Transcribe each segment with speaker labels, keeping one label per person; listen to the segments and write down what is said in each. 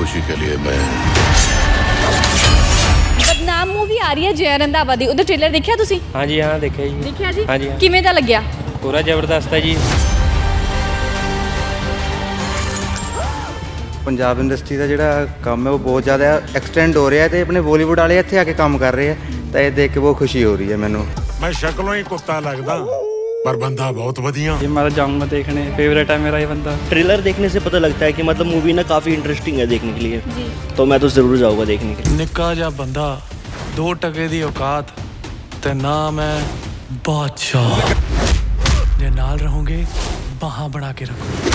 Speaker 1: खुशी के लिए मैं
Speaker 2: ਬਦਨਾਮ ਮੂਵੀ ਆ ਰਹੀ ਹੈ ਜੈ ਰੰਧਾਵਾ ਦੀ, ਉਹਦਾ ਟ੍ਰੇਲਰ ਦੇਖਿਆ ਤੁਸੀਂ?
Speaker 3: ਹਾਂਜੀ ਹਾਂ ਦੇਖਿਆ ਜੀ।
Speaker 2: ਦੇਖਿਆ ਜੀ?
Speaker 3: ਹਾਂਜੀ ਹਾਂ।
Speaker 2: ਕਿਵੇਂ ਦਾ ਲੱਗਿਆ?
Speaker 3: ਪੂਰਾ ਜ਼ਬਰਦਸਤ ਹੈ ਜੀ।
Speaker 4: ਪੰਜਾਬ ਇੰਡਸਟਰੀ ਦਾ ਜਿਹੜਾ ਕੰਮ ਹੈ ਉਹ ਬਹੁਤ ਜ਼ਿਆਦਾ ਐਕਸਟੈਂਡ ਹੋ ਰਿਹਾ ਤੇ ਆਪਣੇ ਬਾਲੀਵੁੱਡ ਵਾਲੇ ਇੱਥੇ ਆ ਕੇ ਕੰਮ ਕਰ ਰਹੇ ਆ ਤਾਂ ਇਹ ਦੇਖ ਕੇ ਬਹੁਤ ਖੁਸ਼ੀ ਹੋ ਰਹੀ ਹੈ ਮੈਨੂੰ।
Speaker 5: मैं शक्लों ही कुत्ता लगदा पर बंदा बहुत वधिया।
Speaker 6: ये मैं जाऊँगा देखने, फेवरेट है मेरा ये बंदा।
Speaker 7: ट्रेलर देखने से पता लगता है कि मतलब मूवी ना काफ़ी इंटरेस्टिंग है देखने के लिए
Speaker 2: जी।
Speaker 7: तो मैं तो ज़रूर जाऊँगा देखने के लिए।
Speaker 5: निक्का जा बंदा 2 टके दी औकात ते ना मैं बादशाह जे नाल रहूंगे बाहां बना के रखो।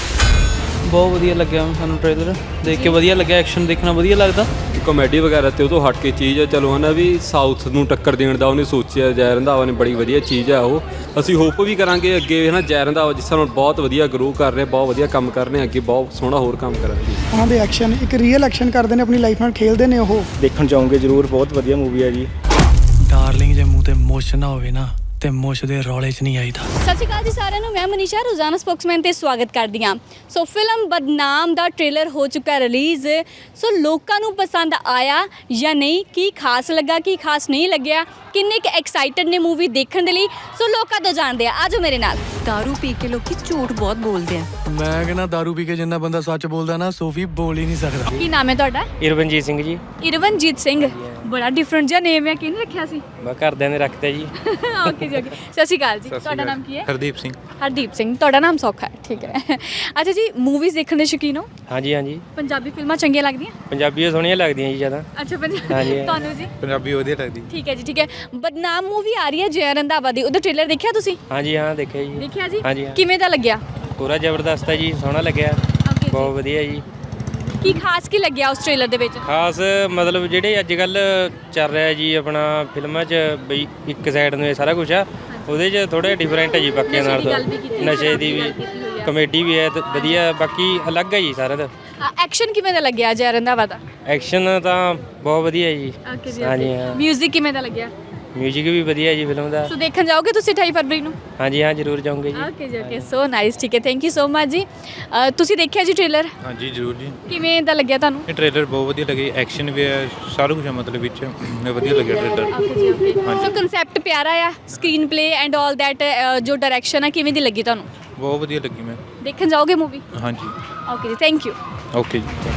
Speaker 6: बहुत ਵਧੀਆ ਲੱਗਿਆ ਸਾਨੂੰ ਟ੍ਰੇਲਰ ਦੇਖ ਕੇ, ਵਧੀਆ ਲੱਗਿਆ, ਐਕਸ਼ਨ ਦੇਖਣਾ ਵਧੀਆ ਲੱਗਦਾ।
Speaker 8: ਕਾਮੇਡੀ ਵਗੈਰਾ ਤੇ ਉਹ ਤੋਂ ਹਟ ਕੇ ਚੀਜ਼ ਹੈ, ਚਲੋ ਹਨਾ ਵੀ ਸਾਊਥ ਨੂੰ ਟੱਕਰ ਦੇਣ ਦਾ ਉਹਨੇ ਸੋਚਿਆ। ਜੈ ਰੰਧਾਵਾ ਨੇ ਬੜੀ ਵਧੀਆ ਚੀਜ਼ ਹੈ ਉਹ, ਅਸੀਂ ਹੋਪ ਵੀ ਕਰਾਂਗੇ ਅੱਗੇ ਹਨਾ ਜੈ ਰੰਧਾਵਾ ਜਿਸ ਤਰ੍ਹਾਂ ਬਹੁਤ ਵਧੀਆ ਗਰੋ ਕਰ ਰਹੇ, ਬਹੁਤ ਵਧੀਆ ਕੰਮ ਕਰ ਰਹੇ, ਅੱਗੇ ਬਹੁਤ ਸੋਹਣਾ ਹੋਰ ਕੰਮ ਕਰਾਂਗੇ।
Speaker 9: ਉਹਨਾਂ ਦੇ ਐਕਸ਼ਨ ਇੱਕ ਰੀਅਲ ਐਕਸ਼ਨ ਕਰਦੇ ਨੇ, ਆਪਣੀ ਲਾਈਫ ਨਾਲ ਖੇਲਦੇ ਨੇ ਉਹ।
Speaker 7: देखना चाहूँगे जरूर, बहुत वधिया मूवी है जी।
Speaker 5: डार्लिंग जे मुंह ते मुछ ना होवे ना ते मुछ दे रौले च नहीं आईदा।
Speaker 2: ਸਤਿ ਸ਼੍ਰੀ ਅਕਾਲ ਜੀ ਸਾਰਿਆਂ ਨੂੰ, ਮੈਂ ਮਨੀਸ਼ਾ ਰੋਜ਼ਾਨਾ ਸਪੋਕਸਮੈਨ ਤੇ ਸਵਾਗਤ ਕਰਦੀ ਹਾਂ। ਸੋ ਫਿਲਮ ਬਦਨਾਮ ਦਾ ਟ੍ਰੇਲਰ ਹੋ ਚੁੱਕਾ ਰਿਲੀਜ਼। ਸੋ ਲੋਕਾਂ ਨੂੰ ਪਸੰਦ ਆਇਆ ਜਾਂ ਨਹੀਂ, ਕੀ ਖਾਸ ਲੱਗਾ, ਕੀ ਖਾਸ ਨਹੀਂ ਲੱਗਿਆ, ਕਿੰਨੇ ਕੁ ਐਕਸਾਈਟਡ ਨੇ ਮੂਵੀ ਦੇਖਣ ਦੇ ਲਈ, ਸੋ ਲੋਕਾਂ ਤੋਂ ਜਾਣਦੇ ਆ। ਆਜੋ ਮੇਰੇ ਨਾਲ।
Speaker 10: दारू पी के लोग झूठ बहुत बोलते हैं।
Speaker 5: मैं कहना दारू पी के जिन्ना बंदा सच बोलदा ना सोफी बोल ही नहीं सकदा।
Speaker 2: ਕੀ ਨਾਮ ਹੈ ਤੁਹਾਡਾ?
Speaker 3: ਇਰਵਨਜੀਤ ਸਿੰਘ ਜੀ।
Speaker 2: ਇਰਵਨਜੀਤ ਸਿੰਘ, ਬੜਾ ਡਿਫਰੈਂਟ ਜਿਹਾ ਨੇਮ ਹੈ, ਕਿਹਨੇ ਰੱਖਿਆ ਸੀ?
Speaker 3: ਮੈਂ ਘਰਦਿਆਂ ਨੇ ਰੱਖਤਾ ਜੀ।
Speaker 2: ਓਕੇ ਜੀ, ਓਕੇ। ਸਤਿ ਸ਼੍ਰੀ ਅਕਾਲ ਜੀ, ਤੁਹਾਡਾ ਨਾਮ ਕੀ ਹੈ?
Speaker 8: ਹਰਦੀਪ ਸਿੰਘ।
Speaker 2: ਹਰਦੀਪ ਸਿੰਘ, ਤੁਹਾਡਾ ਨਾਮ ਸੌਖਾ ਹੈ, ਠੀਕ ਹੈ। ਅੱਛਾ ਜੀ, ਮੂਵੀਜ਼ ਦੇਖਣ ਦੇ ਸ਼ੌਕੀਨ ਹੋ?
Speaker 3: ਹਾਂਜੀ ਹਾਂਜੀ।
Speaker 2: ਪੰਜਾਬੀ ਫਿਲਮਾਂ ਚੰਗੀਆਂ ਲੱਗਦੀਆਂ?
Speaker 3: ਪੰਜਾਬੀਆਂ ਸੋਹਣੀਆਂ ਲੱਗਦੀਆਂ ਜੀ ਜ਼ਿਆਦਾ।
Speaker 2: ਅੱਛਾ,
Speaker 3: ਹਾਂਜੀ।
Speaker 2: ਤੁਹਾਨੂੰ ਜੀ?
Speaker 8: ਪੰਜਾਬੀ ਵਧੀਆ ਲੱਗਦੀ।
Speaker 2: ਠੀਕ ਹੈ ਜੀ, ਠੀਕ ਹੈ। ਬਦਨਾਮ ਮੂਵੀ ਆ ਰਹੀ ਹੈ ਜੈ ਰੰਧਾਵਾ ਦੀ, ਉਹਦਾ ਟ੍ਰੇਲਰ ਦੇਖਿਆ ਤੁਸੀਂ?
Speaker 3: ਹਾਂਜੀ ਹਾਂ ਦੇਖਿਆ ਜੀ।
Speaker 2: ਦੇਖਿਆ ਜੀ?
Speaker 3: ਹਾਂਜੀ ਹਾਂ।
Speaker 2: ਕਿਵੇਂ ਦਾ ਲੱਗਿਆ?
Speaker 3: ਪੂਰਾ ਜ਼ਬਰਦਸਤ ਹੈ ਜੀ, ਸੋਹਣਾ ਲੱਗਿਆ,
Speaker 2: ਓਕੇ
Speaker 3: ਬਹੁਤ
Speaker 2: ਜੀ।
Speaker 3: ਵਧੀਆ ਜੀ।
Speaker 2: ਕੀ ਖਾਸ ਕੀ ਲੱਗਿਆ ਉਸ ਟ੍ਰੇਲਰ ਦੇ ਵਿੱਚ?
Speaker 3: ਖਾਸ ਮਤਲਬ ਜਿਹੜੇ ਅੱਜ ਕੱਲ ਚੱਲ ਰਿਹਾ ਜੀ ਆਪਣਾ ਫਿਲਮਾਂ 'ਚ ਬਈ ਇੱਕ ਸਾਈਡ ਨੂੰ ਇਹ ਸਾਰਾ ਕੁਝ ਆ, ਉਹਦੇ 'ਚ ਥੋੜਾ ਡਿਫਰੈਂਟ ਹੈ ਜੀ ਬਾਕੀਆਂ ਨਾਲ ਤੋਂ। ਨਸ਼ੇ ਦੀ ਵੀ, ਕਮੇਡੀ ਵੀ ਹੈ ਤੇ ਵਧੀਆ, ਬਾਕੀ ਅਲੱਗ ਹੈ ਜੀ ਸਾਰਿਆਂ ਦਾ।
Speaker 2: ਐਕਸ਼ਨ ਕਿਵੇਂ ਦਾ ਲੱਗਿਆ ਜੈ ਰੰਧਾਵਾ ਦਾ?
Speaker 3: ਐਕਸ਼ਨ ਤਾਂ ਬਹੁਤ ਵਧੀਆ ਜੀ।
Speaker 2: ਓਕੇ ਜੀ,
Speaker 3: ਹਾਂਜੀ ਹਾਂ।
Speaker 2: ਮਿਊਜ਼ਿਕ ਕਿਵੇਂ ਦਾ ਲੱਗਿਆ?
Speaker 3: ਮਿਊਜ਼ਿਕ ਵੀ ਵਧੀਆ ਜੀ ਫਿਲਮ ਦਾ।
Speaker 2: ਸੋ ਦੇਖਣ ਜਾਓਗੇ ਤੁਸੀਂ 28 ਫਰਵਰੀ ਨੂੰ?
Speaker 3: ਹਾਂਜੀ ਹਾਂ ਜ਼ਰੂਰ ਜਾਊਂਗੇ ਜੀ।
Speaker 2: ਓਕੇ ਜੀ, ਓਕੇ। ਸੋ ਨਾਈਸ, ਠੀਕ ਹੈ, ਥੈਂਕ ਯੂ ਸੋ ਮਚ ਜੀ। ਤੁਸੀਂ ਦੇਖਿਆ ਜੀ ਟ੍ਰੇਲਰ?
Speaker 8: ਹਾਂਜੀ ਜ਼ਰੂਰ ਜੀ।
Speaker 2: ਕਿਵੇਂ ਦਾ ਲੱਗਿਆ ਤੁਹਾਨੂੰ?
Speaker 8: ਇਹ ਟ੍ਰੇਲਰ ਬਹੁਤ ਵਧੀਆ ਲੱਗੀ, ਐਕਸ਼ਨ ਵੀ ਹੈ, ਸਾਰਾ ਕੁਝ ਮਤਲਬ ਵਿੱਚ ਵਧੀਆ ਲੱਗਿਆ ਟ੍ਰੇਲਰ।
Speaker 2: ਓਕੇ ਜੀ, ਓਕੇ। ਸੋ ਕਨਸੈਪਟ ਪਿਆਰਾ ਆ, screenplay and all that, ਜੋ ਡਾਇਰੈਕਸ਼ਨ ਆ ਕਿਵੇਂ ਦੀ ਲੱਗੀ ਤੁਹਾਨੂੰ?
Speaker 8: ਬਹੁਤ ਵਧੀਆ ਲੱਗੀ ਮੈਂ।
Speaker 2: ਦੇਖਣ ਜਾਓਗੇ ਮੂਵੀ?
Speaker 8: ਹਾਂਜੀ
Speaker 2: ਓਕੇ ਜੀ, ਥੈਂਕ ਯੂ।
Speaker 8: ਓਕੇ ਜੀ।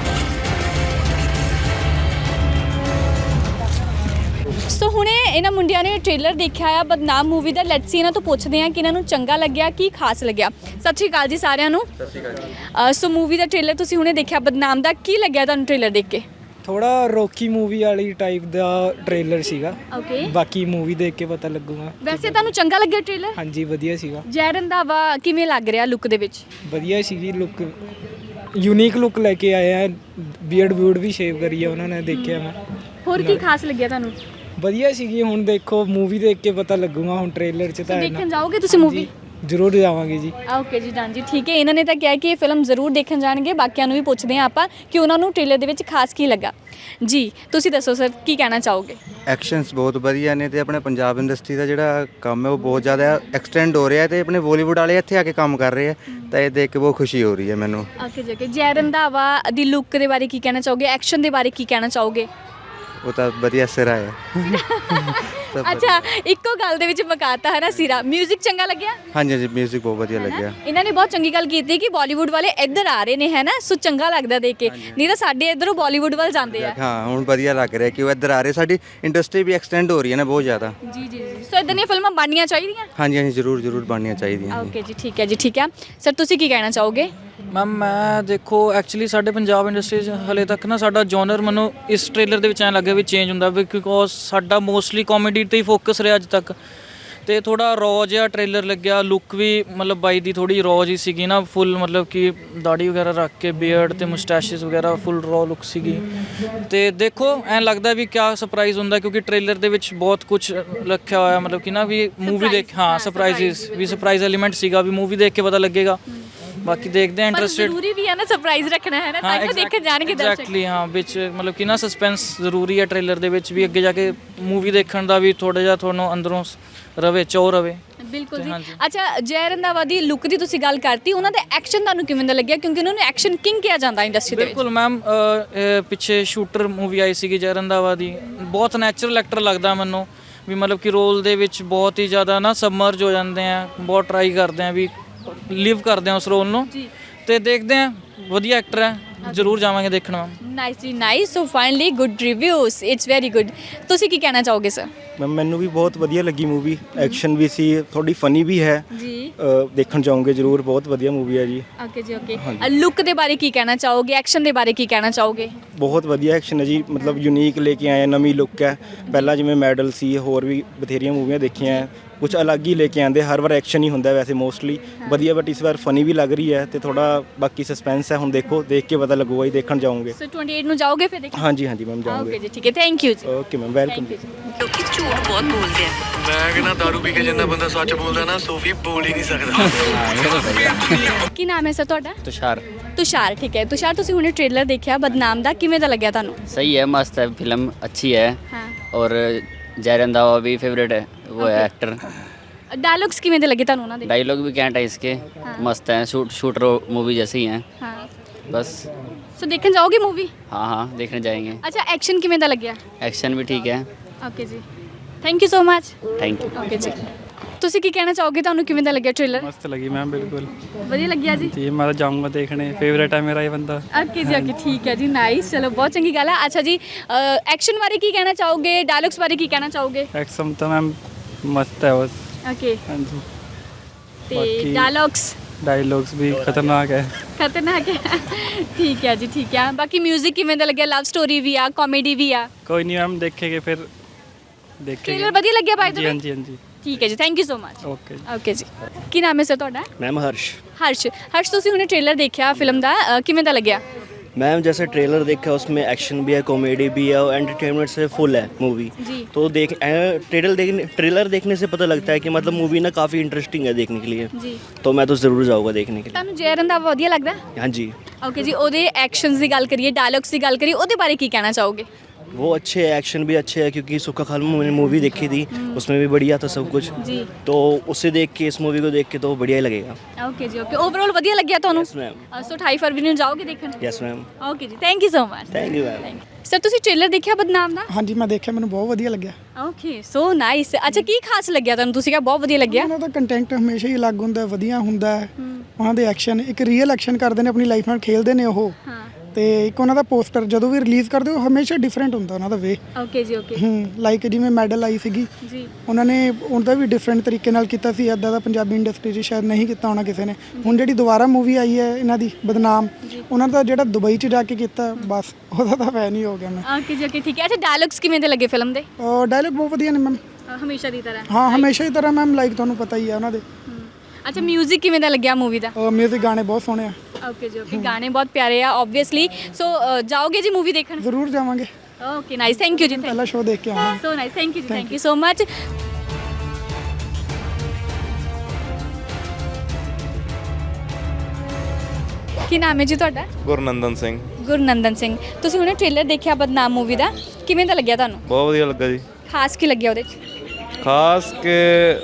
Speaker 2: ਸੋ ਹੁਣੇ ਇਹਨਾਂ ਮੁੰਡਿਆਂ ਨੇ ਟ੍ਰੇਲਰ ਦੇਖਿਆ ਆ ਬਦਨਾਮ ਮੂਵੀ ਦਾ। ਲੈਟਸ ਸੀ ਇਹਨਾਂ ਤੋਂ ਪੁੱਛਦੇ ਆ ਕਿ ਇਹਨਾਂ ਨੂੰ ਚੰਗਾ ਲੱਗਿਆ, ਕੀ ਖਾਸ ਲੱਗਿਆ। ਸਤਿ ਸ਼੍ਰੀ ਅਕਾਲ ਜੀ ਸਾਰਿਆਂ ਨੂੰ।
Speaker 4: ਸਤਿ ਸ਼੍ਰੀ ਅਕਾਲ ਜੀ।
Speaker 2: ਸੋ ਮੂਵੀ ਦਾ ਟ੍ਰੇਲਰ ਤੁਸੀਂ ਹੁਣੇ ਦੇਖਿਆ ਬਦਨਾਮ ਦਾ, ਕੀ ਲੱਗਿਆ ਤੁਹਾਨੂੰ ਟ੍ਰੇਲਰ ਦੇਖ ਕੇ?
Speaker 6: ਥੋੜਾ ਰੌਕੀ ਮੂਵੀ ਵਾਲੀ ਟਾਈਪ ਦਾ ਟ੍ਰੇਲਰ ਸੀਗਾ।
Speaker 2: ਓਕੇ।
Speaker 6: ਬਾਕੀ ਮੂਵੀ ਦੇਖ ਕੇ ਪਤਾ ਲੱਗੂਗਾ।
Speaker 2: ਵੈਸੇ ਤੁਹਾਨੂੰ ਚੰਗਾ ਲੱਗਿਆ ਟ੍ਰੇਲਰ?
Speaker 6: ਹਾਂਜੀ ਵਧੀਆ ਸੀਗਾ।
Speaker 2: ਜੈ ਰੰਧਾਵਾ ਕਿਵੇਂ ਲੱਗ ਰਿਹਾ ਲੁੱਕ ਦੇ ਵਿੱਚ?
Speaker 6: ਵਧੀਆ ਸੀਗੀ ਲੁੱਕ, ਯੂਨੀਕ ਲੁੱਕ ਲੈ ਕੇ ਆਏ ਆ। ਬੀਅਰਡ ਬੂਡ ਵੀ ਸ਼ੇਵ ਕਰੀ ਆ ਉਹਨਾਂ ਨੇ, ਦੇਖਿਆ ਮੈਂ।
Speaker 2: ਹੋਰ ਕੀ ਖਾਸ ਲੱਗਿਆ ਤੁਹਾਨੂੰ?
Speaker 6: ਵਧੀਆ ਸੀਗੀ। ਹੁਣ ਦੇਖੋ ਮੂਵੀ ਦੇਖ ਕੇ ਪਤਾ ਲੱਗੂਗਾ, ਹੁਣ ਟ੍ਰੇਲਰ 'ਚ ਤਾਂ
Speaker 2: ਦੇਖਣ ਜਾਓਗੇ ਤੁਸੀਂ ਮੂਵੀ?
Speaker 6: ਜ਼ਰੂਰ ਜਾਵਾਂਗੇ ਜੀ।
Speaker 2: ਓਕੇ ਜੀ, ਡਨ ਜੀ, ਠੀਕ ਹੈ। ਇਹਨਾਂ ਨੇ ਤਾਂ ਕਿਹਾ ਕਿ ਇਹ ਫਿਲਮ ਜ਼ਰੂਰ ਦੇਖਣ ਜਾਣਗੇ। ਬਾਕੀਆਂ ਨੂੰ ਵੀ ਪੁੱਛਦੇ ਹਾਂ ਆਪਾਂ ਕਿ ਉਹਨਾਂ ਨੂੰ ਟ੍ਰੇਲਰ ਦੇ ਵਿੱਚ ਖਾਸ ਕੀ ਲੱਗਾ। ਜੀ ਤੁਸੀਂ ਦੱਸੋ ਸਰ, ਕੀ ਕਹਿਣਾ ਚਾਹੋਗੇ?
Speaker 4: ਐਕਸ਼ਨਸ ਬਹੁਤ ਵਧੀਆ ਨੇ ਤੇ ਆਪਣੇ ਪੰਜਾਬ ਇੰਡਸਟਰੀ ਦਾ ਜਿਹੜਾ ਕੰਮ ਹੈ ਉਹ ਬਹੁਤ ਜ਼ਿਆਦਾ ਐਕਸਟੈਂਡ ਹੋ ਰਿਹਾ ਤੇ ਆਪਣੇ ਬਾਲੀਵੁੱਡ ਵਾਲੇ ਇੱਥੇ ਆ ਕੇ ਕੰਮ ਕਰ ਰਹੇ ਆ ਤਾਂ ਇਹ ਦੇਖ ਕੇ ਬਹੁਤ ਖੁਸ਼ੀ ਹੋ ਰਹੀ ਹੈ ਮੈਨੂੰ।
Speaker 2: ਓਕੇ ਜੀ, ਓਕੇ। ਜੈ ਰੰਧਾਵਾ ਦੀ ਲੁੱਕ ਦੇ ਬਾਰੇ ਕੀ ਕਹਿਣਾ ਚਾਹੋਗੇ? ਐਕਸ਼ਨ ਦੇ ਬਾਰੇ ਕੀ ਕਹਿਣਾ ਚਾਹੋਗੇ?
Speaker 4: ਉਹ ਤਾਂ ਵਧੀਆ ਸਿਰਾ ਹੈ।
Speaker 2: ਅੱਛਾ, ਇੱਕੋ ਗੱਲ ਦੇ ਵਿੱਚ ਮਕਾਤਾ ਹੈ ਨਾ ਸਿਰਾ। ਮਿਊਜ਼ਿਕ ਚੰਗਾ ਲੱਗਿਆ?
Speaker 4: ਹਾਂਜੀ ਹਾਂਜੀ, ਮਿਊਜ਼ਿਕ ਬਹੁਤ ਵਧੀਆ ਲੱਗਿਆ।
Speaker 2: ਇਹਨਾਂ ਨੇ ਬਹੁਤ ਚੰਗੀ ਗੱਲ ਕੀਤੀ ਕਿ ਬਾਲੀਵੁੱਡ ਵਾਲੇ ਇੱਧਰ ਆ ਰਹੇ ਨੇ, ਹੈ ਨਾ। ਸੋ ਚੰਗਾ ਲੱਗਦਾ ਦੇਖ ਕੇ, ਨਹੀਂ ਤਾਂ ਸਾਡੇ ਇੱਧਰੋਂ ਬਾਲੀਵੁੱਡ ਵੱਲ ਜਾਂਦੇ ਆ।
Speaker 4: ਹਾਂ, ਹੁਣ ਵਧੀਆ ਲੱਗ ਰਿਹਾ ਕਿ ਉਹ ਇੱਧਰ ਆ ਰਹੇ। ਸਾਡੀ ਇੰਡਸਟਰੀ ਵੀ ਐਕਸਟੈਂਡ ਹੋ ਰਹੀ ਹੈ ਨਾ ਬਹੁਤ ਜ਼ਿਆਦਾ।
Speaker 2: ਜੀ ਜੀ ਜੀ। ਸੋ ਇੱਦਾਂ ਦੀਆਂ ਫਿਲਮਾਂ ਬਣਨੀਆਂ ਚਾਹੀਦੀਆਂ।
Speaker 4: ਹਾਂਜੀ ਹਾਂਜੀ, ਜ਼ਰੂਰ ਜ਼ਰੂਰ ਬਣਨੀਆਂ ਚਾਹੀਦੀਆਂ।
Speaker 2: ਓਕੇ ਜੀ, ਠੀਕ ਹੈ ਜੀ, ਠੀਕ ਹੈ। ਸਰ ਤੁਸੀਂ ਕੀ ਕਹਿਣਾ ਚਾਹੋਗੇ?
Speaker 6: ਮੈਮ ਮੈਂ ਦੇਖੋ ਐਕਚੁਅਲੀ ਸਾਡੇ ਪੰਜਾਬ ਇੰਡਸਟਰੀ 'ਚ ਹਲੇ ਤੱਕ ਨਾ ਸਾਡਾ ਜੋਨਰ ਮੈਨੂੰ ਇਸ ਟ੍ਰੇਲਰ ਦੇ ਵਿੱਚ ਐਂ ਲੱਗਿਆ ਵੀ ਚੇਂਜ ਹੁੰਦਾ, ਬਿਕੋਜ਼ ਸਾਡਾ ਮੋਸਟਲੀ ਕਾਮੇਡੀ 'ਤੇ ਹੀ ਫੋਕਸ ਰਿਹਾ ਅੱਜ ਤੱਕ। ਤੇ ਥੋੜਾ ਰੌ ਜਿਹਾ ਟ੍ਰੇਲਰ ਲੱਗਿਆ। ਲੁੱਕ ਵੀ ਮਤਲਬ ਬਾਈ ਦੀ ਥੋੜੀ ਰੌ ਜੀ ਸੀਗੀ ਨਾ, ਫੁੱਲ ਮਤਲਬ ਕਿ ਦਾੜੀ ਵਗੈਰਾ ਰੱਖ ਕੇ, ਬੀਅਰਡ ਤੇ ਮੁਸਟੈਸ਼ਸ ਵਗੈਰਾ, ਫੁੱਲ ਰੌ ਲੁੱਕ ਸੀਗੀ। ਤੇ ਦੇਖੋ ਐਂ ਲੱਗਦਾ ਵੀ ਕਿਆ ਸਰਪ੍ਰਾਈਜ਼ ਹੁੰਦਾ, ਕਿਉਂਕਿ ਟ੍ਰੇਲਰ ਦੇ ਵਿੱਚ ਬਹੁਤ ਕੁਝ ਰੱਖਿਆ ਹੋਇਆ, ਮਤਲਬ ਕਿ ਨਾ ਵੀ ਮੂਵੀ ਦੇਖ, ਹਾਂ ਸਰਪ੍ਰਾਈਜ਼ਸ ਵੀ, ਸਰਪ੍ਰਾਈਜ਼ ਐਲੀਮੈਂਟ ਸੀਗਾ ਵੀ ਮੂਵੀ ਦੇਖ ਕੇ ਪਤਾ ਲੱਗੇਗਾ। ਬਾਕੀ ਦੇਖਦੇ ਆ ਇੰਟਰਸਟਿਡ।
Speaker 2: ਜ਼ਰੂਰੀ ਵੀ ਹੈ ਨਾ ਸਰਪ੍ਰਾਈਜ਼ ਰੱਖਣਾ, ਹੈ ਨਾ, ਤਾਂ ਕਿ ਦੇਖਣ ਜਾਣਗੇ ਦਰਸ਼ਕ।
Speaker 6: ਐਗਜ਼ੈਕਟਲੀ ਹਾਂ, ਵਿੱਚ ਮਤਲਬ ਕਿ ਨਾ ਸਸਪੈਂਸ ਜ਼ਰੂਰੀ ਹੈ ਟ੍ਰੇਲਰ ਦੇ ਵਿੱਚ ਵੀ, ਅੱਗੇ ਜਾ ਕੇ ਮੂਵੀ ਦੇਖਣ ਦਾ ਵੀ ਥੋੜਾ ਜਿਹਾ ਤੁਹਾਨੂੰ ਅੰਦਰੋਂ ਰਵੇ ਚੋ ਰਵੇ।
Speaker 2: ਬਿਲਕੁਲ ਜੀ।
Speaker 6: ਹਾਂਜੀ।
Speaker 2: ਅੱਛਾ, ਜੈ ਰੰਧਾਵਾ ਦੀ ਲੁੱਕ ਦੀ ਤੁਸੀਂ ਗੱਲ ਕਰਤੀ, ਉਹਨਾਂ ਦਾ ਐਕਸ਼ਨ ਤੁਹਾਨੂੰ ਕਿਵੇਂ ਦਾ ਲੱਗਿਆ, ਕਿਉਂਕਿ ਉਹਨਾਂ ਨੂੰ ਐਕਸ਼ਨ ਕਿੰਗ ਕਿਹਾ ਜਾਂਦਾ ਇੰਡਸਟਰੀ ਦੇ ਵਿੱਚ।
Speaker 6: ਬਿਲਕੁਲ ਮੈਮ, ਪਿੱਛੇ ਸ਼ੂਟਰ ਮੂਵੀ ਆਈ ਸੀਗੀ ਜੈ ਰੰਧਾਵਾ ਦੀ, ਬਹੁਤ ਨੈਚੁਰਲ ਐਕਟਰ ਲੱਗਦਾ ਮੈਨੂੰ ਵੀ, ਮਤਲਬ ਕਿ ਰੋਲ ਦੇ ਵਿੱਚ ਬਹੁਤ ਹੀ ਜ਼ਿਆਦਾ ਨਾ ਸਬਮਰਜ ਹੋ ਜਾਂਦੇ ਆ, ਬਹੁਤ ਟਰਾਈ ਕਰਦੇ ਆ ਵੀ ਲਿਵ ਕਰਦੇ ਆ ਉਸ ਰੋਲ ਨੂੰ, ਤੇ ਦੇਖਦੇ ਆ ਵਧੀਆ ਐਕਟਰ ਹੈ, ਜ਼ਰੂਰ ਜਾਵਾਂਗੇ ਦੇਖਣ ਮੈਮ।
Speaker 2: ਨਾਈਸ ਜੀ, nice. So finally good reviews, it's very good. ਤੁਸੀਂ ਕੀ ਕਹਿਣਾ ਚਾਹੋਗੇ ਸਰ?
Speaker 1: ਮੈਮ ਮੈਨੂੰ ਵੀ ਬਹੁਤ ਵਧੀਆ ਲੱਗੀ ਮੂਵੀ, ਐਕਸ਼ਨ ਵੀ ਸੀ, ਥੋੜੀ ਫਨੀ ਵੀ ਹੈ
Speaker 2: ਜੀ।
Speaker 1: ਦੇਖਣ ਜਾਓਗੇ ਜ਼ਰੂਰ, ਬਹੁਤ ਵਧੀਆ ਮੂਵੀ ਹੈ ਜੀ।
Speaker 2: ਓਕੇ ਜੀ, ਓਕੇ। ਲੁੱਕ ਦੇ ਬਾਰੇ ਕੀ ਕਹਿਣਾ ਚਾਹੋਗੇ, ਐਕਸ਼ਨ ਦੇ ਬਾਰੇ ਕੀ ਕਹਿਣਾ ਚਾਹੋਗੇ?
Speaker 1: ਬਹੁਤ ਵਧੀਆ ਐਕਸ਼ਨ ਹੈ ਜੀ, ਮਤਲਬ ਯੂਨੀਕ ਲੈ ਕੇ ਆਏ, ਨਵੀਂ ਲੁੱਕ ਹੈ। ਪਹਿਲਾਂ ਜਿਵੇਂ ਮੈਡਲ ਸੀ, ਹੋਰ ਵੀ ਬਥੇਰੀਆਂ ਮੂਵੀਆਂ ਦੇਖੀਆਂ ਹੈ, ਕੁਝ ਅਲੱਗ ਹੀ ਲੈ ਕੇ ਆਉਂਦੇ। ਹਰ ਵਾਰ ਐਕਸ਼ਨ ਹੀ ਹੁੰਦਾ ਵੈਸੇ ਮੋਸਟਲੀ ਵਧੀਆ, ਬਟ ਇਸ ਵਾਰ ਫਨੀ ਵੀ ਲੱਗ ਰਹੀ ਹੈ ਤੇ ਥੋੜਾ ਬਾਕੀ ਸਸਪੈਂਸ ਹੈ, ਹੁਣ ਦੇਖੋ, ਦੇਖ ਕੇ ਪਤਾ ਲੱਗੂਗਾ ਜੀ, ਦੇਖਣ ਜਾਓਗੇ।
Speaker 2: ਸੋ 28 ਨੂੰ ਜਾਓਗੇ ਫਿਰ ਦੇਖਣ?
Speaker 1: ਹਾਂਜੀ ਹਾਂਜੀ ਮੈਮ,
Speaker 2: ਓਕੇ
Speaker 1: ਜਾਓਗੇ।
Speaker 2: ਜੀ, ਠੀਕ ਹੈ, ਥੈਂਕ ਯੂ ਜੀ।
Speaker 1: Okay ma'am, welcome.
Speaker 10: ਲੋਕੀ ਝੂਠ ਬਹੁਤ ਬੋਲਦੇ ਆ।
Speaker 5: ਮੈਂ ਕਹਿੰਦਾ ਦਾਰੂ ਪੀ ਕੇ ਜਿੰਨਾ ਬੰਦਾ ਸੱਚ ਬੋਲਦਾ ਨਾ, ਸੋਫੀ ਬੋਲ ਹੀ ਨਹੀਂ ਸਕਦਾ।
Speaker 2: ਕੀ ਨਾਮ ਹੈ ਸਰ ਤੁਹਾਡਾ?
Speaker 11: तुषार
Speaker 2: ਤੁਸ਼ਾਰ, ਠੀਕ ਹੈ। ਤੁਸ਼ਾਰ, ਤੁਸੀਂ ਹੁਣੇ ਟ੍ਰੇਲਰ ਦੇਖਿਆ ਬਦਨਾਮ ਦਾ, ਕਿਵੇਂ ਦਾ ਲੱਗਿਆ ਤੁਹਾਨੂੰ?
Speaker 11: सही है, मस्त है, फिल्म अच्छी है
Speaker 2: ਹਾਂ।
Speaker 11: और जय रंधावा भी फेवरेट है, वो है एक्टर।
Speaker 2: ਡਾਇਲੌਗਸ ਕਿਵੇਂ ਦੇ ਲੱਗੇ ਤੁਹਾਨੂੰ ਉਹਨਾਂ ਦੇ?
Speaker 11: डायलॉग भी कैंट है इसके, मस्त है, शूटर मूवी जैसे ही हैं
Speaker 2: ਹਾਂ।
Speaker 11: बस।
Speaker 2: ਸੋ ਦੇਖਣ ਜਾਓਗੇ ਮੂਵੀ?
Speaker 11: हाँ हाँ, देखने जाएंगे।
Speaker 2: ਅੱਛਾ, ਐਕਸ਼ਨ ਕਿਵੇਂ ਦਾ ਲੱਗਿਆ?
Speaker 11: एक्शन भी ठीक है।
Speaker 2: ਓਕੇ ਜੀ, thank you so much.
Speaker 11: Thank you.
Speaker 2: Okay ਜੀ। ਤੁਸੀਂ ਕੀ ਕਹਿਣਾ ਚਾਹੋਗੇ, ਤੁਹਾਨੂੰ ਕਿਵੇਂ ਦਾ ਲੱਗਿਆ ਟ੍ਰੇਲਰ?
Speaker 12: मस्त लगी मैम, बिल्कुल
Speaker 2: ਵਧੀਆ ਲੱਗਿਆ ਜੀ?
Speaker 12: जी। मैं तो जाऊँगा देखने, फेवरेट है मेरा ये बंदा।
Speaker 2: ਓਕੇ ਜੀ, ਓਕੇ, ਠੀਕ ਹੈ ਜੀ, ਨਾਈਸ। ਚਲੋ, ਬਹੁਤ ਚੰਗੀ ਗੱਲ ਹੈ। ਅੱਛਾ ਜੀ, ਐਕਸ਼ਨ ਬਾਰੇ ਕੀ ਕਹਿਣਾ ਚਾਹੋਗੇ, ਡਾਇਲੌਗਸ ਬਾਰੇ ਕੀ ਕਹਿਣਾ ਚਾਹੋਗੇ?
Speaker 12: एक्शन तो मैम मस्त है बस।
Speaker 2: ਓਕੇ।
Speaker 12: हाँ जी।
Speaker 2: ਤੇ
Speaker 12: ਬਾਕੀ-
Speaker 2: ਡਾਇਲੌਗਸ
Speaker 12: डायलॉग्स भी खतरनाक है।
Speaker 2: ਖਤਰਨਾਕ ਹੈ। ਠੀਕ ਹੈ ਜੀ, ਠੀਕ ਹੈ। ਬਾਕੀ 뮤직 ਕਿਵੇਂ ਦਾ ਲੱਗਿਆ? ਲਵ ਸਟੋਰੀ ਵੀ ਆ, ਕਾਮੇਡੀ ਵੀ ਆ।
Speaker 12: कोई नहीं मैम, देखेंगे फिर देखेंगे।
Speaker 2: ਟ੍ਰੇਲਰ ਵਧੀਆ ਲੱਗਿਆ ਬਾਈ
Speaker 12: जी हाँ जी, हाँ जी।
Speaker 2: ਠੀਕ ਹੈ ਜੀ, thank you so much.
Speaker 12: Okay.
Speaker 2: Okay ਜੀ। ਕੀ ਨਾਮ ਹੈ ਸਰ ਤੁਹਾਡਾ?
Speaker 7: मैम हर्ष।
Speaker 2: ਹਰਸ਼। ਹਰਸ਼, ਤੁਸੀਂ ਹੁਣੇ ਟ੍ਰੇਲਰ ਦੇਖਿਆ ਫਿਲਮ ਦਾ, ਕਿਵੇਂ ਦਾ ਲੱਗਿਆ?
Speaker 7: मैम जैसे ट्रेलर देखा उसमें एक्शन भी है, कॉमेडी भी है और एंटरटेनमेंट से फुल है मूवी।
Speaker 2: जी।
Speaker 7: तो ट्रेलर देखने से पता लगता है कि मतलब मूवी ना काफ़ी इंटरेस्टिंग है देखने के लिए।
Speaker 2: ਜੀ।
Speaker 7: तो मैं तो ज़रूर जाऊँगा देखने के लिए।
Speaker 2: ਤੁਹਾਨੂੰ ਜੈ ਰੰਧਾਵਾ ਵਧੀਆ ਲੱਗਦਾ?
Speaker 7: हाँ जी,
Speaker 2: ਓਕੇ ਜੀ। ਉਹਦੇ ਐਕਸ਼ਨਸ ਦੀ ਗੱਲ ਕਰੀਏ, ਡਾਇਲੌਗਸ ਦੀ ਗੱਲ ਕਰੀਏ, ਉਹਦੇ ਬਾਰੇ ਕੀ ਕਹਿਣਾ ਚਾਹੋਗੇ?
Speaker 7: वो अच्छे है, एक्शन भी अच्छे है, क्योंकि सुक्का खाल में मैंने मूवी देखी थी, उसमें भी बढ़िया था सब कुछ।
Speaker 2: जी।
Speaker 7: तो उसे देख के, इस मूवी को देख के तो बढ़िया ही लगेगा।
Speaker 2: ਓਕੇ ਜੀ, ਓਕੇ। ਓਵਰਆਲ ਵਧੀਆ ਲੱਗਿਆ ਤੁਹਾਨੂੰ?
Speaker 7: Yes ma'am.
Speaker 2: ਸੋ 28 ਫਰਵਰੀ ਨੂੰ ਜਾਓਗੇ ਦੇਖਣ?
Speaker 7: Yes ma'am.
Speaker 2: ਓਕੇ ਜੀ, thank you so much.
Speaker 7: Thank you ma'am.
Speaker 2: Sir, ਤੁਸੀਂ ਟ੍ਰੇਲਰ ਦੇਖਿਆ ਬਦਨਾਮ ਦਾ?
Speaker 9: ਹਾਂਜੀ ਮੈਂ ਦੇਖਿਆ, ਮੈਨੂੰ ਬਹੁਤ ਵਧੀਆ ਲੱਗਿਆ।
Speaker 2: Okay, so nice. ਅੱਛਾ, ਕੀ ਖਾਸ ਲੱਗਿਆ ਤੁਹਾਨੂੰ? ਤੁਸੀਂ ਕਿਹਾ ਬਹੁਤ ਵਧੀਆ ਲੱਗਿਆ।
Speaker 9: ਉਹਨਾਂ ਦਾ ਕੰਟੈਂਟ ਹਮੇਸ਼ਾ ਹੀ ਅਲੱਗ ਹੁੰਦਾ, ਵਧੀਆ ਹੁੰਦਾ ਹੈ। ਉਹਨਾਂ ਦੇ ਐਕਸ਼ਨ, ਇੱਕ ਰੀਅਲ ਐਕਸ਼ਨ ਕਰਦੇ ਨੇ, ਆਪਣੀ ਲਾਈਫ ਨਾਲ ਖੇਲਦੇ ਨੇ ਉਹ।
Speaker 2: ਹਾਂ।
Speaker 9: ਤੇ ਇੱਕ ਉਹਨਾਂ ਦਾ ਪੋਸਟਰ ਜਦੋਂ ਵੀ ਰਿਲੀਜ਼ ਕਰਦੇ ਉਹ ਹਮੇਸ਼ਾ ਡਿਫਰੈਂਟ ਹੁੰਦਾ ਉਹਨਾਂ ਦਾ ਵੇ।
Speaker 2: ਓਕੇ ਜੀ, ਓਕੇ।
Speaker 9: ਲਾਈਕ ਜਿਵੇਂ ਮੈਡਲ ਆਈ ਸੀਗੀ,
Speaker 2: ਜੀ।
Speaker 9: ਉਹਨਾਂ ਨੇ ਉਹਦਾ ਵੀ ਡਿਫਰੈਂਟ ਤਰੀਕੇ ਨਾਲ ਕੀਤਾ ਸੀ, ਇੱਦਾਂ ਦਾ ਪੰਜਾਬੀ ਇੰਡਸਟਰੀ 'ਚ ਸ਼ਾਇਦ ਨਹੀਂ ਕੀਤਾ ਹੋਣਾ ਕਿਸੇ ਨੇ। ਹੁਣ ਜਿਹੜੀ ਦੁਬਾਰਾ ਮੂਵੀ ਆਈ ਹੈ ਇਹਨਾਂ ਦੀ ਬਦਨਾਮ, ਉਹਨਾਂ ਦਾ ਜਿਹੜਾ ਦੁਬਈ 'ਚ ਜਾ ਕੇ ਕੀਤਾ, ਬਸ ਉਹਦਾ ਤਾਂ ਫੈਨ ਹੀ ਹੋ ਗਿਆ ਮੈਂ।
Speaker 2: ਓਕੇ ਜੀ, ਓਕੇ, ਠੀਕ ਹੈ। ਅੱਛਾ, ਡਾਇਲੌਗਸ ਕਿਵੇਂ ਦੇ ਲੱਗੇ ਫਿਲਮ ਦੇ?
Speaker 9: ਡਾਇਲੌਗ ਬਹੁਤ ਵਧੀਆ ਨੇ ਮੈਮ,
Speaker 2: ਹਮੇਸ਼ਾ ਦੀ ਤਰ੍ਹਾਂ?
Speaker 9: ਹਾਂ ਹਮੇਸ਼ਾ ਹੀ ਤਰ੍ਹਾਂ ਮੈਮ, ਲਾਈਕ ਤੁਹਾਨੂੰ ਪਤਾ ਹੀ ਹੈ ਉਹਨਾਂ ਦੇ।
Speaker 2: ਅੱਛਾ, 뮤직 ਕਿਵੇਂ ਦਾ ਲੱਗਿਆ ਮੂਵੀ ਦਾ?
Speaker 9: ਮਿਊਜ਼ਿਕ ਗਾਣੇ ਬਹੁਤ ਸੋਹਣੇ ਆ।
Speaker 2: ਓਕੇ ਜੀ, ਓਕੇ। ਗਾਣੇ ਬਹੁਤ ਪਿਆਰੇ ਆ ਆਬਵੀਅਸਲੀ। ਸੋ ਜਾਓਗੇ ਜੀ ਮੂਵੀ ਦੇਖਣ?
Speaker 9: ਜ਼ਰੂਰ ਜਾਵਾਂਗੇ,
Speaker 2: ਓਕੇ, ਨਾਈਸ, ਥੈਂਕ ਯੂ ਜੀ।
Speaker 9: ਪਹਿਲਾ ਸ਼ੋਅ ਦੇਖ ਕੇ ਆਵਾਂਗੇ।
Speaker 2: ਸੋ ਨਾਈਸ, ਥੈਂਕ ਯੂ ਜੀ, ਥੈਂਕ ਯੂ ਸੋ ਮਚ। ਕੀ ਨਾਮ ਹੈ ਜੀ ਤੁਹਾਡਾ?
Speaker 3: ਗੁਰਨੰਦਨ ਸਿੰਘ।
Speaker 2: ਗੁਰਨੰਦਨ ਸਿੰਘ। ਤੁਸੀਂ ਹੁਣੇ ਟ੍ਰੇਲਰ ਦੇਖਿਆ ਬਦਨਾਮ ਮੂਵੀ ਦਾ, ਕਿਵੇਂ ਦਾ ਲੱਗਿਆ ਤੁਹਾਨੂੰ?
Speaker 3: ਬਹੁਤ ਵਧੀਆ ਲੱਗਾ ਜੀ।
Speaker 2: ਖਾਸ ਕੀ ਲੱਗਿਆ ਉਹਦੇ 'ਚ?
Speaker 3: ਖਾਸ ਕਿ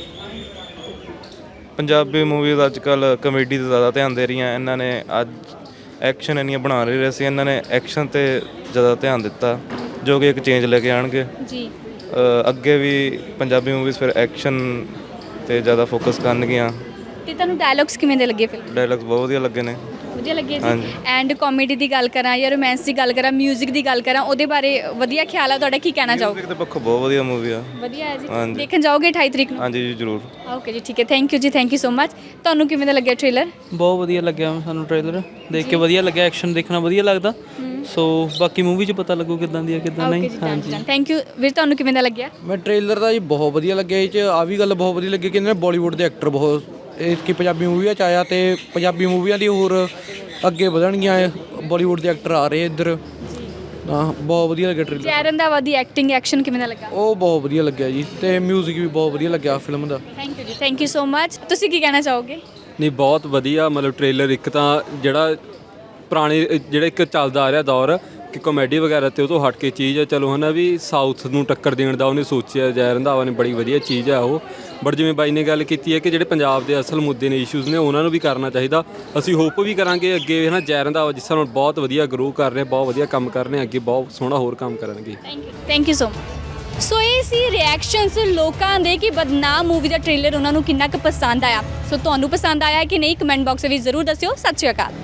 Speaker 3: ਪੰਜਾਬੀ ਮੂਵੀਜ਼ ਅੱਜ ਕੱਲ ਕਮੇਡੀ 'ਤੇ ਜ਼ਿਆਦਾ ਧਿਆਨ ਦੇ ਰਹੀਆਂ, ਇਹਨਾਂ ਨੇ ਅੱਜ ਐਕਸ਼ਨ ਇੰਨੀਆਂ ਬਣਾ ਰਹੇ ਸੀ, ਇਹਨਾਂ ਨੇ ਐਕਸ਼ਨ 'ਤੇ ਜ਼ਿਆਦਾ ਧਿਆਨ ਦਿੱਤਾ, ਜੋ ਕਿ ਇੱਕ ਚੇਂਜ ਲੈ ਕੇ ਆਉਣਗੇ
Speaker 2: ਜੀ।
Speaker 3: ਅੱਗੇ ਵੀ ਪੰਜਾਬੀ ਮੂਵੀਜ਼ ਫਿਰ ਐਕਸ਼ਨ 'ਤੇ ਜ਼ਿਆਦਾ ਫੋਕਸ ਕਰਨਗੀਆਂ।
Speaker 2: ਤੇ ਤੁਹਾਨੂੰ ਡਾਇਲੌਗਸ ਕਿਵੇਂ ਦੇ ਲੱਗੇ ਫਿਲਮ?
Speaker 3: ਡਾਇਲੌਗਸ ਬਹੁਤ ਵਧੀਆ ਲੱਗੇ ਨੇ।
Speaker 2: ਵਧੀਆ ਲੱਗੇ ਜੀ। ਐਂਡ ਕਾਮੇਡੀ ਦੀ ਗੱਲ ਕਰਾਂ ਜਾਂ ਰੋਮਾਂਸ ਦੀ ਗੱਲ ਕਰਾਂ, 뮤직 ਦੀ ਗੱਲ ਕਰਾਂ, ਉਹਦੇ ਬਾਰੇ ਵਧੀਆ ਖਿਆਲ ਆ ਤੁਹਾਡਾ? ਕੀ ਕਹਿਣਾ ਚਾਹੋਗੇ?
Speaker 3: ਮਿਊਜ਼ਿਕ ਦੇ ਪੱਖੋਂ ਬਹੁਤ ਵਧੀਆ ਮੂਵੀ ਆ।
Speaker 2: ਵਧੀਆ ਹੈ ਜੀ।
Speaker 3: ਹਾਂਜੀ।
Speaker 2: ਦੇਖਣ ਜਾਓਗੇ 28 ਤਰੀਕ ਨੂੰ?
Speaker 3: ਹਾਂਜੀ ਜੀ, ਜ਼ਰੂਰ।
Speaker 2: ਓਕੇ ਜੀ, ਠੀਕ ਹੈ, ਥੈਂਕ ਯੂ ਜੀ, ਥੈਂਕ ਯੂ ਸੋ ਮਚ। ਤੁਹਾਨੂੰ ਕਿਵੇਂ ਦਾ ਲੱਗਿਆ ਟ੍ਰੇਲਰ?
Speaker 6: ਬਹੁਤ ਵਧੀਆ ਲੱਗਿਆ ਸਾਨੂੰ ਟ੍ਰੇਲਰ ਦੇਖ ਕੇ, ਵਧੀਆ ਲੱਗਿਆ, ਐਕਸ਼ਨ ਦੇਖਣਾ ਵਧੀਆ ਲੱਗਦਾ। ਸੋ ਬਾਕੀ ਮੂਵੀ 'ਚ ਪਤਾ ਲੱਗੂ ਕਿੱਦਾਂ ਦੀ ਹੈ ਕਿੱਦਾਂ ਨਹੀਂ। ਹਾਂਜੀ,
Speaker 2: ਥੈਂਕ ਯੂ ਵੀਰ। ਤੁਹਾਨੂੰ ਕਿਵੇਂ ਦਾ ਲੱਗਿਆ?
Speaker 13: ਮੈਂ ਟ੍ਰੇਲਰ ਦਾ ਜੀ ਬਹੁਤ ਵਧੀਆ ਲੱਗਿਆ। ਇਹ 'ਚ ਆ ਵੀ ਗੱਲ ਬਹੁਤ ਵਧੀਆ ਲੱਗੀ ਕਿ ਇਹਨਾਂ ਨੇ ਬਾਲੀਵੁੱਡ ਦੇ ਐਕਟਰ ਬਹੁਤ ਇਹ ਕਿ ਪੰਜਾਬੀ ਮੂਵੀਆਂ 'ਚ ਆਇਆ, ਤੇ ਪੰਜਾਬੀ ਮੂਵੀਆਂ ਦੀ ਹੋਰ ਅੱਗੇ ਵਧਣਗੀਆਂ। ਬਾਲੀਵੁੱਡ ਦੇ ਐਕਟਰ ਆ ਰਹੇ ਇੱਧਰ। ਹਾਂ, ਬਹੁਤ ਵਧੀਆ ਲੱਗਿਆ ਟ੍ਰੇਲਰ।
Speaker 2: ਜੈ ਰੰਧਾਵਾ ਦੀ ਐਕਟਿੰਗ, ਐਕਸ਼ਨ ਕਿਵੇਂ ਦਾ ਲੱਗਾ?
Speaker 13: ਉਹ ਬਹੁਤ ਵਧੀਆ ਲੱਗਿਆ ਜੀ, ਤੇ ਮਿਊਜ਼ਿਕ ਵੀ ਬਹੁਤ ਵਧੀਆ ਲੱਗਿਆ ਫਿਲਮ ਦਾ।
Speaker 2: ਥੈਂਕ ਯੂ ਜੀ, ਥੈਂਕ ਯੂ ਸੋ ਮਚ। ਤੁਸੀਂ ਕੀ ਕਹਿਣਾ ਚਾਹੋਗੇ?
Speaker 8: ਨਹੀਂ, ਬਹੁਤ ਵਧੀਆ, ਮਤਲਬ ਟ੍ਰੇਲਰ ਇੱਕ ਤਾਂ ਜਿਹੜਾ ਪੁਰਾਣੇ ਜਿਹੜਾ ਇੱਕ ਚੱਲਦਾ ਆ ਰਿਹਾ ਦੌਰ ਕਿ ਕਾਮੇਡੀ ਵਗੈਰਾ ਤੇ ਉਹ ਤੋਂ ਹਟ ਕੇ ਚੀਜ਼ ਆ ਚਲੋ ਹੈ ਨਾ ਵੀ ਸਾਊਥ ਨੂੰ ਟੱਕਰ ਦੇਣ ਦਾ ਉਹਨੇ ਸੋਚਿਆ। ਜੈ ਰੰਧਾਵਾ ਨੇ ਬੜੀ ਵਧੀਆ ਚੀਜ਼ ਆ ਉਹ। ਬਟ ਜਿਵੇਂ ਬਾਈ ਨੇ ਗੱਲ ਕੀਤੀ ਹੈ ਕਿ ਜਿਹੜੇ ਪੰਜਾਬ ਦੇ ਅਸਲ ਮੁੱਦੇ ਨੇ, ਇਸ਼ੂਜ਼ ਨੇ, ਉਹਨਾਂ ਨੂੰ ਵੀ ਕਰਨਾ ਚਾਹੀਦਾ। ਅਸੀਂ ਹੋਪ ਵੀ ਕਰਾਂਗੇ ਅੱਗੇ ਹੈ ਨਾ ਜੈ ਰੰਧਾਵਾ ਜਿਸ ਤਰ੍ਹਾਂ ਬਹੁਤ ਵਧੀਆ ਗਰੋ ਕਰ ਰਹੇ, ਬਹੁਤ ਵਧੀਆ ਕੰਮ ਕਰ ਰਹੇ, ਅੱਗੇ ਬਹੁਤ ਸੋਹਣਾ ਹੋਰ ਕੰਮ ਕਰਨਗੇ।
Speaker 2: Thank you so much. So ਇਹ ਸੀ ਰਿਐਕਸ਼ਨਸ ਲੋਕਾਂ ਦੇ ਕਿ ਬਦਨਾਮ ਮੂਵੀ ਦਾ ਟ੍ਰੇਲਰ ਉਹਨਾਂ ਨੂੰ ਕਿੰਨਾ ਕੁ ਪਸੰਦ ਆਇਆ। ਸੋ ਤੁਹਾਨੂੰ ਪਸੰਦ ਆਇਆ ਕਿ ਨਹੀਂ, ਕਮੈਂਟ ਬਾਕਸ ਵਿੱਚ ਜ਼ਰੂਰ ਦੱਸਿਓ। ਸਤਿ ਸ਼੍ਰੀ ਅਕਾਲ।